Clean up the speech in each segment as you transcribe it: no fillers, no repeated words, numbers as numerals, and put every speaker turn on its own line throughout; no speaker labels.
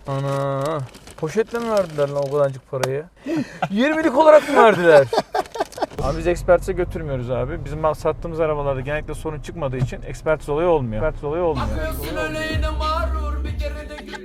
Ana. Poşetle mi verdiler lan o kadarcık parayı? 20'lik olarak mı verdiler? Abi biz ekspertize götürmüyoruz abi. Bizim sattığımız arabalarda genellikle sorun çıkmadığı için ekspertiz olayı olmuyor. Ekspertiz olayı olmuyor.
Bakıyorsun öyle yine mağrur bir kere de gül.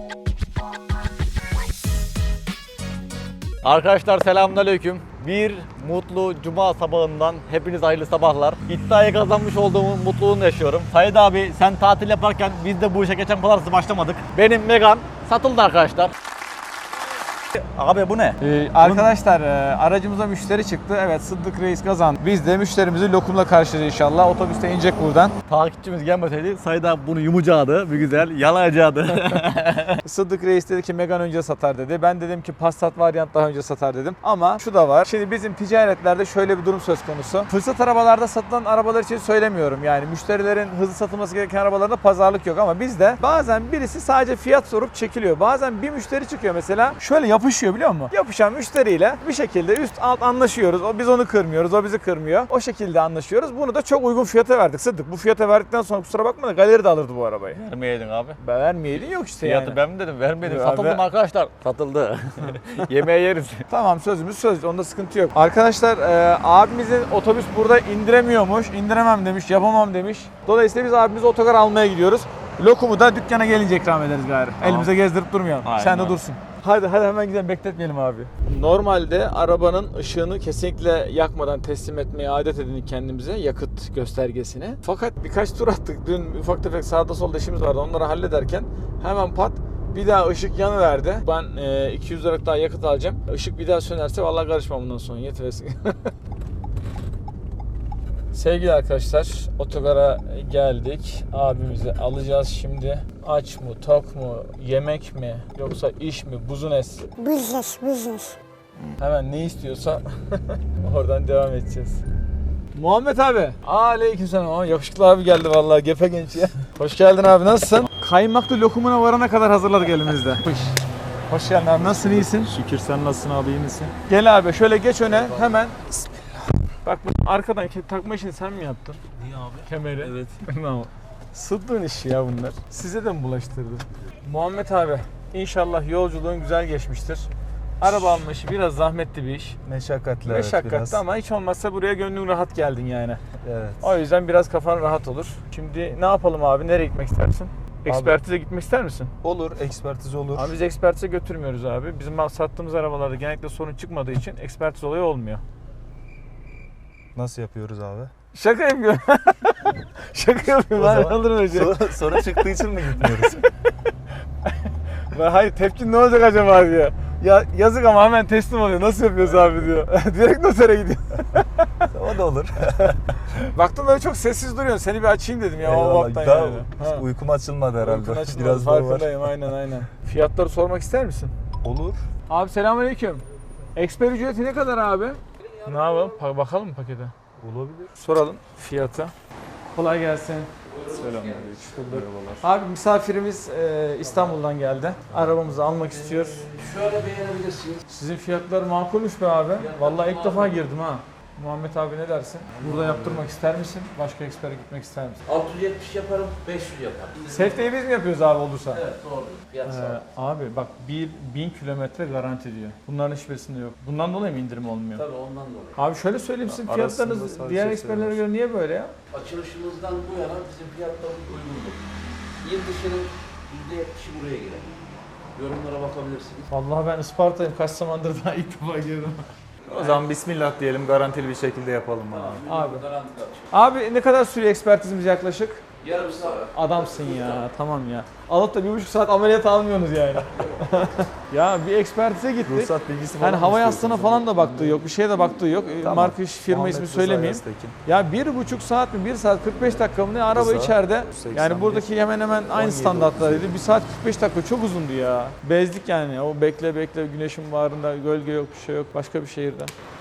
Arkadaşlar selamünaleyküm. Bir mutlu cuma sabahından hepiniz hayırlı sabahlar. İddiayı kazanmış olduğumun mutluluğunu yaşıyorum. Said abi sen tatil yaparken biz de bu işe geçen pazartesi başlamadık. Benim Megane satıldı arkadaşlar. Abi bu ne?
Arkadaşlar aracımıza müşteri çıktı. Evet, Sıddık Reis kazandı. Biz de müşterimizi lokumla karşılayacağız inşallah. Otobüste inecek buradan.
Takipçimiz gelmeseydi Said abi bunu yumacaktı bir güzel, yalayacaktı.
Sıddık Reis dedi ki Megane önce satar dedi. Ben dedim ki Passat varyant daha önce satar dedim. Ama şu da var. Şimdi bizim ticaretlerde şöyle bir durum söz konusu. Fırsat arabalarda satılan arabalar için söylemiyorum. Yani müşterilerin hızlı satılması gereken arabalarda pazarlık yok ama bizde bazen birisi sadece fiyat sorup çekiliyor. Bazen bir müşteri çıkıyor mesela. Şöyle yapışıyor biliyor musun? Yapışan müşteriyle bir şekilde üst alt anlaşıyoruz. Biz onu kırmıyoruz, o bizi kırmıyor. O şekilde anlaşıyoruz. Bunu da çok uygun fiyata verdik Sıddık. Bu fiyata verdikten sonra kusura bakma da galeri de alırdı bu arabayı.
Vermeyeydin abi.
Vermeyeydin yok işte
Fiyatı
yani.
ben mi dedim? Vermedim.
Ya
Satıldı mı arkadaşlar? Satıldı. Yemeğe yeriz.
Tamam, sözümüz söz. Onda sıkıntı yok. Arkadaşlar abimizin otobüs burada indiremiyormuş. İndiremem demiş, yapamam demiş. Dolayısıyla biz abimizi otogar almaya gidiyoruz. Lokumu da dükkana gelince ikram ederiz gari.
Tamam.
Elimize gezdirip durmayalım.
Aynen.
Sen de dursun. Hadi hemen gidelim, bekletmeyelim abi. Normalde arabanın ışığını kesinlikle yakmadan teslim etmeye adet edindik kendimize, yakıt göstergesini. Fakat birkaç tur attık. Dün ufak tefek sağda solda işimiz vardı. Onları hallederken hemen pat bir daha ışık yanıverdi. Ben 200 liralık daha yakıt alacağım. Işık bir daha sönerse vallahi karışmam bundan sonra. Yetiversin. Sevgili arkadaşlar, otogara geldik. Abimizi alacağız şimdi. Aç mı, tok mu, yemek mi, yoksa iş mi, business?
Business.
Hemen ne istiyorsa oradan devam edeceğiz. Muhammed abi. Aleykümselam. Yakışıklı abi geldi vallahi, gepe genç ya. Hoş geldin abi, nasılsın? Kaymaklı lokumuna varana kadar hazırladık elimizde. Hoş geldin abi, nasılsın, iyisin?
Şükür, sen nasılsın abi, iyi misin?
Gel abi şöyle geç öne hemen. Bak bu arkadan takma işini sen mi yaptın?
Niye abi?
Kemeri.
Evet.
Sıddığın işi ya bunlar. Size de mi bulaştırdın? Muhammed abi, inşallah yolculuğun güzel geçmiştir. Araba alma işi biraz zahmetli bir iş.
Meşakkatli,
Meşakkatli
biraz.
ama hiç olmazsa buraya gönlün rahat geldin yani.
Evet.
O yüzden biraz kafan rahat olur. Şimdi ne yapalım abi? Nereye gitmek istersin? Ekspertize gitmek ister misin?
Olur, ekspertiz olur.
Abi biz ekspertize götürmüyoruz abi. Bizim sattığımız arabalarda genellikle sorun çıkmadığı için ekspertiz olayı olmuyor.
Nasıl yapıyoruz abi?
Şaka yapıyorum. Şaka yapıyorum. Ben alırım öyle.
Soru çıktığı için mi gitmiyoruz?
Hayır, tepkin ne olacak acaba diyor. Ya yazık ama hemen teslim oluyor. Nasıl yapıyoruz abi diyor. Direkt notere gidiyor.
O da olur.
Baktım böyle çok sessiz duruyorsun. Seni bir açayım dedim ya o
Eyvallah.
vaktan
Daha
yani. Ha.
uykum açılmadı herhalde.
Uykun açılmadı,
Biraz daha var.
farkındayım, aynen. Fiyatları sormak ister misin?
Olur.
Abi selamünaleyküm. Eksper ücreti ne kadar abi? Ne yapalım? Bakalım mı pakete?
Olabilir.
Soralım fiyatı. Kolay gelsin.
Selamünaleyküm.
Abi misafirimiz İstanbul'dan geldi. Arabamızı almak istiyor.
Şöyle beğenebilirsiniz.
Sizin fiyatlar makulmüş be abi. Vallahi ilk defa girdim ha. Muhammed abi ne dersin? Burada yaptırmak ister misin? Başka ekspere gitmek ister misin?
670 yaparım, 500 yaparım.
Safety'yi biz mi yapıyoruz abi olursa?
Evet doğru. Fiyat sağ.
Abi bak 1000 kilometre garanti diyor. Bunların hiçbirisinde yok. Bundan dolayı mı indirim olmuyor?
Tabii ondan dolayı.
Abi şöyle söyleyeyim, sizin
Arasında
fiyatlarınız
sadece
diğer
şey
eksperlere
var.
göre niye böyle ya?
Açılışımızdan bu yana bizim fiyatlarımız uygundur. Yıl dışının %70'i buraya girer. Yorumlara bakabilirsiniz.
Vallahi ben Isparta'yım, kaç zamandır daha ilk defa girdim.
O zaman bismillah diyelim, garantili bir şekilde yapalım abi.
Abi.
Garanti kaç?
Abi ne kadar sürüyor ekspertizimiz yaklaşık?
Yarım saat.
Adamsın ya, tamam ya. Alıp da 1,5 saat ameliyat almıyorsunuz yani. Ya bir ekspertize gittik.
Ruhsat bilgisi falan
Hani hava
mı
yastığına
istiyorsunuz?
falan da baktığı yok, bir şeye de baktığı yok.
Tamam.
Marka firma
Muhammed
ismi
Rıza
söylemeyeyim.
Yaztekin.
Ya 1,5 saat mi, 1 saat 45 dakika mı ne araba
Rıza,
içeride.
81,
Yani buradaki hemen hemen aynı
17,
standartlarıydı. 1 saat 45 dakika çok uzundu ya. Bezdik yani. O bekle güneşin bağrında, gölge yok, bir şey yok, başka bir şehirde.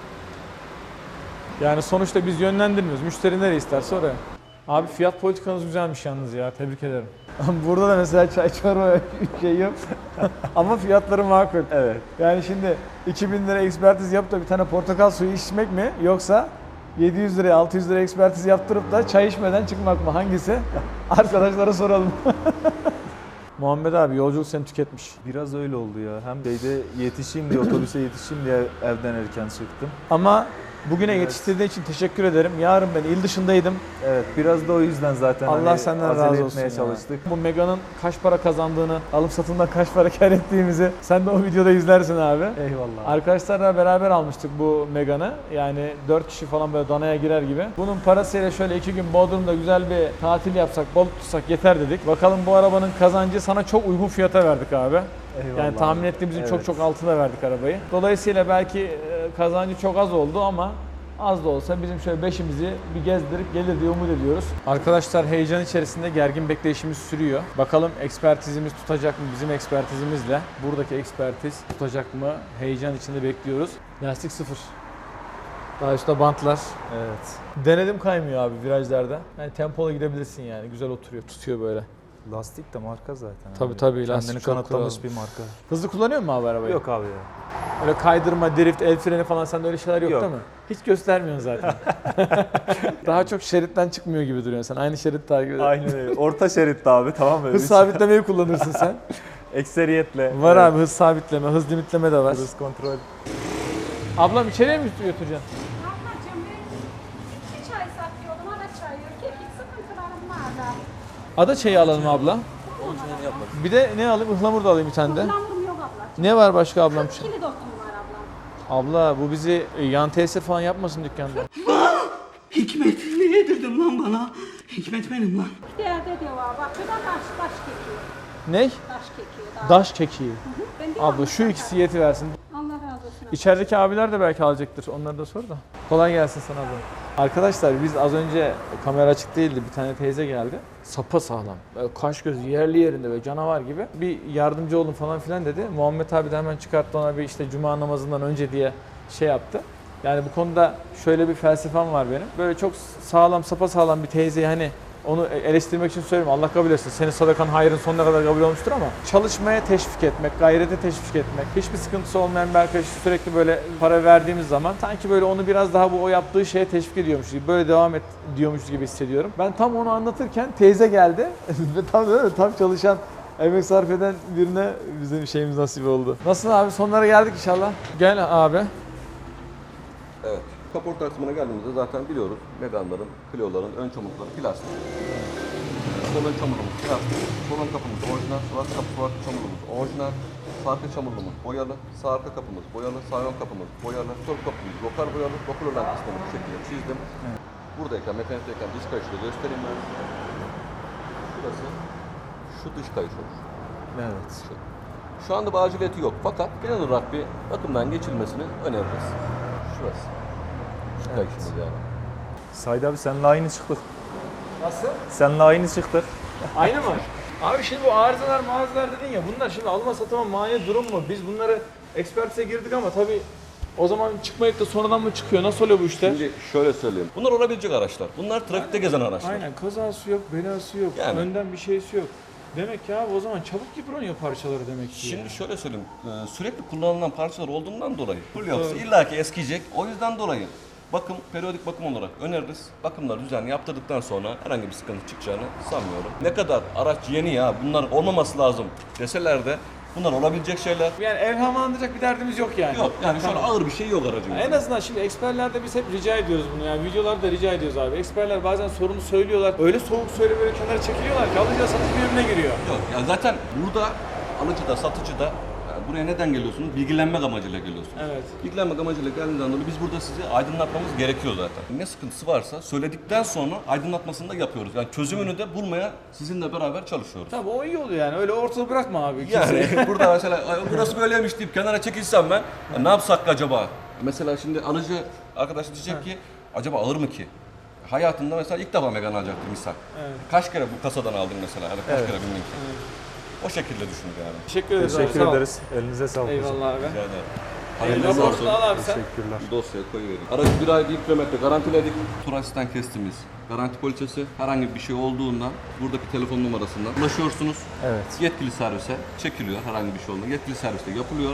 Yani sonuçta biz yönlendirmiyoruz. Müşteri nereye isterse oraya. Abi fiyat politikanız güzelmiş yalnız ya. Tebrik ederim. Burada da mesela çay çorba şey yok. Ama fiyatları makul.
Evet.
Yani şimdi 2000 lira ekspertiz yapıp da bir tane portakal suyu içmek mi? Yoksa 700 liraya 600 liraya ekspertiz yaptırıp da çay içmeden çıkmak mı? Hangisi? Arkadaşlara soralım. Muhammed abi yolculuk seni tüketmiş.
Biraz öyle oldu ya. Hem şeyde yetişeyim diye, otobüse yetişeyim diye evden erken çıktım.
Ama bugüne yetiştirdiğin için teşekkür ederim. Yarın ben il dışındaydım.
Evet, biraz da o yüzden zaten
Allah
hani
senden
acele
razı olsun
etmeye
ya.
çalıştık.
Bu Mega'nın kaç para kazandığını, alım satımdan kaç para kar ettiğimizi sen de o videoda izlersin abi.
Eyvallah.
Arkadaşlarla beraber almıştık bu Mega'nı. Yani 4 kişi falan böyle danaya girer gibi. Bunun parasıyla şöyle 2 gün Bodrum'da güzel bir tatil yapsak, balık tutsak yeter dedik. Bakalım bu arabanın kazancı sana çok uygun fiyata verdik abi.
Eyvallah.
Yani tahmin ettiğimizin
Evet.
çok çok altına verdik arabayı. Dolayısıyla belki kazancı çok az oldu ama az da olsa bizim şöyle beşimizi bir gezdirip gelir diye umut ediyoruz. Arkadaşlar heyecan içerisinde gergin bekleyişimiz sürüyor. Bakalım ekspertizimiz tutacak mı bizim ekspertizimizle? Buradaki ekspertiz tutacak mı? Heyecan içinde bekliyoruz. Lastik sıfır. Daha üstte bantlar.
Evet.
Denedim kaymıyor abi virajlarda. Yani tempolu gidebilirsin yani. Güzel oturuyor, tutuyor böyle.
Lastik de marka zaten.
Tabii,
abi.
tabii, lastik
Kendini
çok
kanıtlamış
kral.
bir marka.
Hızlı kullanıyor musun abi arabayı?
Yok abi ya.
Öyle kaydırma, drift, el freni falan sende öyle şeyler yok,
Yok.
değil mi? Hiç göstermiyorsun zaten. Daha çok şeritten çıkmıyor gibi duruyorsun sen. Aynı şerit takip ediyorsun.
Aynen öyle. Orta şeritte abi, tamam mı?
Hız sabitlemeyi kullanırsın sen.
Ekseriyetle.
Var
Evet.
abi hız sabitleme, hız limitleme de var.
Hız kontrol.
Ablam içeriye mi götüreceksin?
Ablacığım ben 2 çay satıyordum, ada çayı. Kekik sıkıntılarım vardı.
Ada çayı alalım abla. Bir de ne alayım? Ihlamur da alayım bir tane de.
Ihlamur'um yok ablacığım.
Ne var başka ablam?
40 kilo dokum var ablam.
Abla bu bizi yan tesir falan yapmasın dükkanda.
Hikmet ne yedirdin lan bana? Hikmet benim lan.
Değerde diyor var. Bak şurada taş kekiği.
Ney?
Taş kekiği.
Daş kekiği.
Ben de
Abla şu ikisi yeti versin.
Allah razı olsun.
İçerideki abiler de belki alacaktır. Onları da sor da. Kolay gelsin sana abla. Arkadaşlar biz az önce kamera açık değildi. Bir tane teyze geldi. Sapa sağlam. Böyle kaş göz yerli yerinde böyle canavar gibi. Bir yardımcı olun falan filan dedi. Muhammed abi de hemen çıkarttı ona bir işte cuma namazından önce diye şey yaptı. Yani bu konuda şöyle bir felsefem var benim. Böyle çok sağlam, sapa sağlam bir teyzeyi hani onu eleştirmek için söylemiyorum. Allah kabul etsin. Senin sadakan hayrın sonuna kadar kabul olmuştur ama çalışmaya teşvik etmek, gayrete teşvik etmek, hiçbir sıkıntısı olmayan bir arkadaşı sürekli böyle para verdiğimiz zaman sanki böyle onu biraz daha bu o yaptığı şeye teşvik ediyormuş gibi, böyle devam et diyormuş gibi hissediyorum. Ben tam onu anlatırken teyze geldi ve tam çalışan, emek sarf eden birine bizim bir şeyimiz nasip oldu. Nasıl abi? Sonlara geldik inşallah. Gel abi.
Evet. Kaporta kısmına geldiğimizde zaten biliyoruz Megane'ların, Clio'ların ön çamurlukları plastik. Sol ön çamurluğumuz plastik. Sol ön kapımız orijinal, sol arka çamurluğumuz orijinal. Sağ arka çamurluğumuz boyalı, sağ arka kapımız boyalı, sağ ön kapımız boyalı, sol kapımız lokal boyalı, lokal olan kısmını bu şekilde çizdim. Buradayken, mekanikteyken dış kayışı da göstereyim ben. Şurası, şu dış kayış olur.
Evet.
Şu anda bir aciliyeti yok fakat genel olarak bir bakımdan geçilmesini öneririz. Şurası. Şu kayışımız yani.
Said abi seninle aynı çıktık.
Nasıl?
Seninle aynı çıktık.
Aynı mı? Abi şimdi bu arızalar mağazalar dedin ya, bunlar şimdi alma satıma mani durum mu? Biz bunları ekspertize girdik ama tabii o zaman çıkmayıp da sonradan mı çıkıyor? Nasıl oluyor bu işler?
Şimdi şöyle söyleyeyim. Bunlar olabilecek araçlar. Bunlar trafikte gezen araçlar.
Aynen, kazası yok, belası yok,
Yani.
önden bir şeysi yok. Demek ki abi o zaman çabuk yıpranıyor parçaları demek ki.
Şimdi
ya.
şöyle söyleyeyim. Sürekli kullanılan parçalar olduğundan dolayı full yapısı illaki eskiyecek. O yüzden dolayı bakım, periyodik bakım olarak öneririz. Bakımlar düzenli yaptırdıktan sonra herhangi bir sıkıntı çıkacağını sanmıyorum. Ne kadar araç yeni ya, bunlar olmaması lazım deseler de bunlar olabilecek şeyler.
Yani evhamlandıracak bir derdimiz yok yani.
Yok yani şu an
Tamam.
ağır bir şey yok aracın.
En azından şimdi eksperlerde biz hep rica ediyoruz bunu, yani videolarda rica ediyoruz abi. Eksperler bazen sorunu söylüyorlar. Öyle soğuk söyle böyle kenara çekiliyorlar ki alıcıyla satıcı birbirine giriyor.
Yok yani zaten burada alıcı da satıcı da buraya neden geliyorsunuz? Bilgilenmek amacıyla geliyorsunuz.
Evet.
Bilgilenmek amacıyla geldiğinden dolayı biz burada sizi aydınlatmamız gerekiyor zaten. Ne sıkıntısı varsa söyledikten sonra aydınlatmasını da yapıyoruz. Yani çözümünü de bulmaya sizinle beraber çalışıyoruz.
Tabii o iyi oluyor yani, öyle ortada bırakma abi kimseyi.
Yani burada mesela "Ay, burası böyleymiş" deyip kenara çekilsem ben "Ya ne yapsak acaba?" Mesela şimdi alıcı arkadaş diyecek ki acaba ağır mı ki? Hayatında mesela ilk defa Megane alacaktır misal.
Evet.
Kaç kere bu kasadan aldın mesela? Ya da kaç kere bindin ki? O şekilde düşünün yani.
Teşekkür ederiz
Teşekkür
abi. sağ ol.
ederiz. Elinize sağlık.
Eyvallah abi.
Rica ederim.
Hayırlı
Hayırlı
olsun al abi sen.
Teşekkürler.
Dosyaya koyuverin. Aracı 1 ay 1 kilometre garantiledik. Tur asistan kestimiz. Garanti poliçesi. Herhangi bir şey olduğunda buradaki telefon numarasından ulaşıyorsunuz.
Evet.
Yetkili servise çekiliyor herhangi bir şey olduğunda. Yetkili serviste yapılıyor.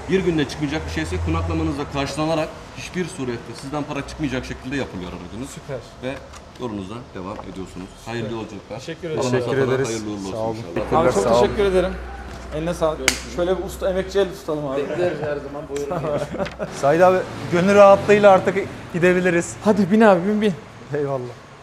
Bir günde çıkmayacak bir şeyse konaklamanızla karşılanarak hiçbir surette sizden para çıkmayacak şekilde yapılıyor aracınız.
Süper.
Ve yolunuza devam ediyorsunuz. Hayırlı yolculuklar.
Teşekkür
Allah
ederim.
masraflara
ederiz.
hayırlı uğurlu olsun
Sağ olun.
inşallah.
Abi çok
Sağ olun.
teşekkür ederim. Eline sağlık. Şöyle bir usta emekçi el tutalım abi.
Bekleriz her zaman buyurun.
Said abi gönül rahatlığıyla artık gidebiliriz.
Hadi bin abi bin bin.
Eyvallah.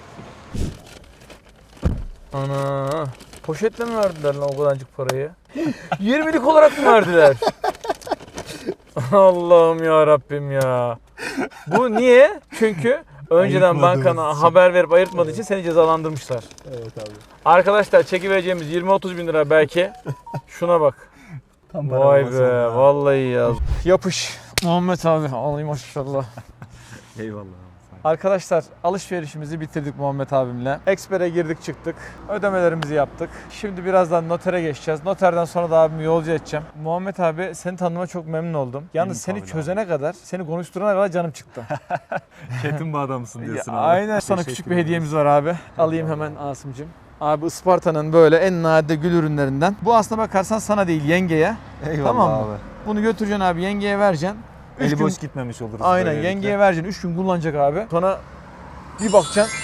Ana. Poşetle mi verdiler lan o kadarcık parayı? 20'lik olarak mı verdiler? Allah'ım ya Rabbim ya. Bu niye? Çünkü önceden
Ayırtmadığımız
bankana
için.
haber verip ayırtmadığı için seni cezalandırmışlar.
Evet abi.
Arkadaşlar çekivereceğimiz 20-30 bin lira belki. Şuna bak.
Tam
Vay be vallahi ya. Yapış. Muhammed abi alayım maşallah.
Eyvallah.
Arkadaşlar alışverişimizi bitirdik Muhammed abimle. Expert'e girdik çıktık. Ödemelerimizi yaptık. Şimdi birazdan notere geçeceğiz. Noterden sonra da abimi yolcu edeceğim. Muhammed abi seni tanıma çok memnun oldum. Yalnız seni
tabii
çözene kadar, seni konuşturana kadar canım çıktı.
Çetin bir adamsın diyorsun abi.
Aynen. Sana küçük bir hediyemiz var abi. Alayım hemen Asım'cığım. Abi Isparta'nın böyle en nadide gül ürünlerinden. Bu aslına bakarsan sana değil yengeye.
Eyvallah
Tamam mı?
abi.
Bunu götüreceksin abi yengeye vereceksin. Üç
Eli
gün-
boş gitmemiş oluruz.
Aynen
böylelikle.
yengeye vereceksin. 3 gün kullanacak abi. Sonra bir bakacaksın.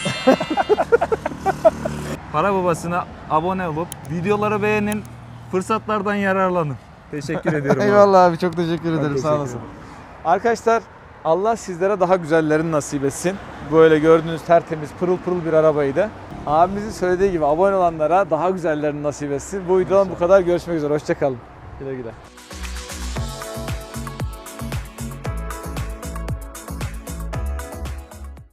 Para Babası'na abone olup videoları beğenin, fırsatlardan yararlanın. Teşekkür ediyorum abi.
Eyvallah abi çok teşekkür ederim
teşekkür
sağ olasın.
ederim.
Arkadaşlar Allah sizlere daha güzellerini nasip etsin. Böyle gördüğünüz tertemiz pırıl pırıl bir arabaydı. Abimizin söylediği gibi abone olanlara daha güzellerini nasip etsin. Bu videodan bu kadar. Görüşmek üzere. Hoşça kalın. Güle güle.